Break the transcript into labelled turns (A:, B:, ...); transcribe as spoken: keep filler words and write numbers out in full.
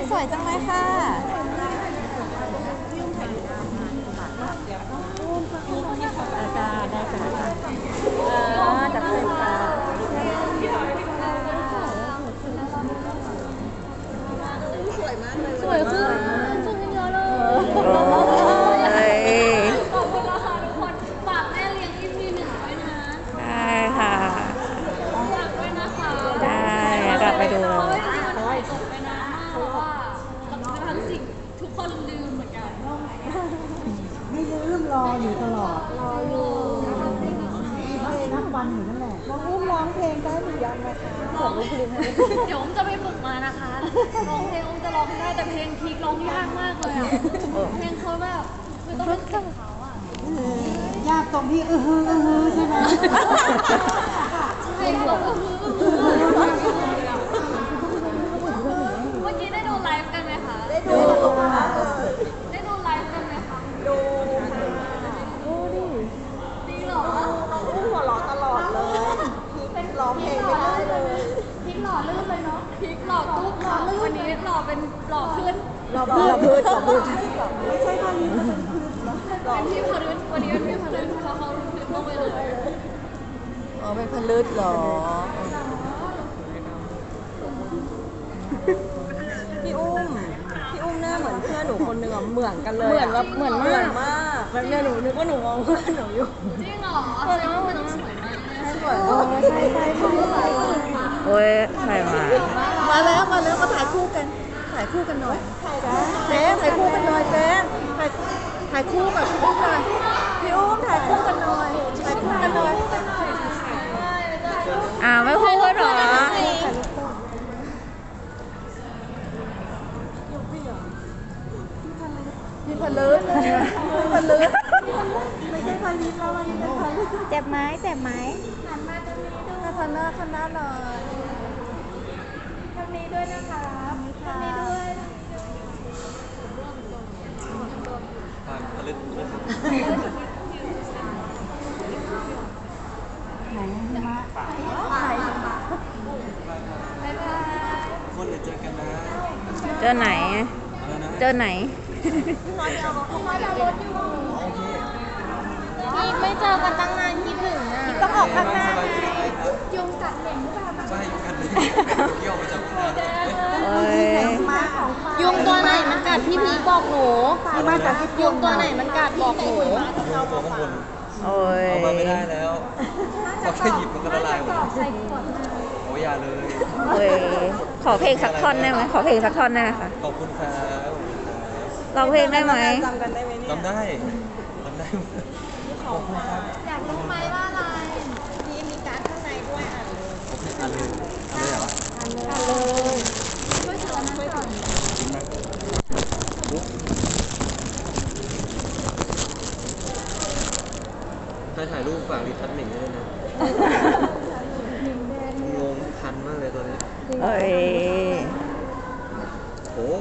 A: สวยจังเลยค่ะอาจารย์ได้ค่ะอ๋อจับเป็นค่ะสวยมากเลยสวยขึ้นสวยเยอะเลยขอบคุณนะคะทุกคนฝากแม่เลี้ยง อี พี หนึ่งด้วยนะได้ค่ะฝากด้วยนะคะได้กลับไปดูเลยเพราะว่าจริงๆมันถ่ายจบไปนานมากแล้วว่าทั้งสิ่งทุกคนลืมเหมือนกัน
B: ไม่ลืมรออยู่ตลอดรออยู่นับวันอยู่นั่นแหละน้องอุ้มร้องเพลงได้หรือยังนะคะเปิดลูกเพลง
A: เดี๋ยวอุ้มจะไปฝึกมานะคะร้องเพลงอุ้มจะร้องได้แต่เพลงพีคร้องยากมากเลยอ่ะเพลงเขาแบบคือต้องเป็นเสียงเขาอ่ะ
B: ยากตรงที่เออเออเออใช่ไหม
A: ใช่เออเมื่อกี้ได้ดูไลฟ์กันไหมคะได้ดูได้ดูไลฟ์กันไหมคะดูดูดิดีหรอน้องอุ้มหัวเราะตลอดเลยเป็นร้องเพลงไม่ได้เลยพลิกหล่อลื่นเลยเนาะพลิกหล่อตุ๊กหล่อลื่นวันนี้หล่อเป็นหล่อขึ้น
B: หล่อพื้นหล่อพื้นหล่อพื้นไม่ใช่ท่านี้เป็น
A: เป็นพี่พลึนวันนี้เป็นพี่พลึนเขาเขาพื้นลงไปเลย
B: อ๋อเป็นพลึดหรอพี่อุ้มพี่อุ้มหน้าเหมือนเพื่อนหนูคนหนึ่งอ่ะเหมือนกันเลย
A: เหมือนแบบเหมือนมาก
B: มากแบบเนี่ยหนูนึกว่าหนูมองเพื่อนหนูอยู่
A: จริงเหรอแสดงว่ามันต้องสวยมาก
B: สวยใช่ใช่ใช่ใช่
C: โอ้ยใครมา
B: มาแล้วมาแล้วมาถ่ายคู่กันถ่ายคู่กันหน่อยเจ๊ถ่ายคู่กันหน่อยเจ๊ถ่ายถ่ายคู่กับพี่อุ้มหน่อยพี่อุ้มถ่ายคู่กันหน่อยถ่ายคู่กันหน่อย
C: อ่าไม่พูดหรอ
B: พี่พลึกพี่พลึกไม่ใช่พลิตแล้วมันเป็นพลึก
C: เจ็บไหมเจ็บไหม
B: หันมาตรงนี้ด้วยพันหน้าพันหน้าหน่อยทางนี้ด้วยนะคะทางนี้ด้วย
D: ผ่านพลึก
B: ไหนมาไหน
D: คนเดี๋ยวเจอกันนะ
C: เจอไหนเจอไหน
A: พี่ไม่เจอกันตั้งนานคิดถึงอ่ะ
B: ต้องออกข้างหน้า
A: ยุงกัดเหม็นหรือเปล่า
D: ใช่ยุงกัดเลยเกี่ยวมาจากข้างหน้า
A: ยุงตัวไหนมันกัดพี่พีบอกหนู
B: มาจากที่
A: ยุงตัวไหนมันกัดบอกหนู
D: ยุงตัวข้างบน
C: โอ้ย
D: เอามาไม่ได้แล้วพอแค่หยิบมันก็ละลายหมดโอ้ยอย่าเลย
C: โอ้ยขอเพลงสักท่อนได้ไหมขอเพลงสักท่อนได้ไหมคะ
D: ขอบคุณครับ
C: ร้องเพลงได้ไหม
B: จำกันได้ไหมเนี่ย
D: จำได้จำได้ขอบคุณครับ
A: อยากรู้ไหมว่าอะไรนี่มีการ์ดข้างในด้วยอ่านเลย
D: โอเคอ่านเลยอ่านเลยเหรอ
A: อ่านเลยช่วยเชิญช่วยก่อน
D: ใครถ่ายรูปฝากรีทัชหนึ่งด้วยนะงงคันมากเลยตัวนี้
C: เอ้ย
D: โอ้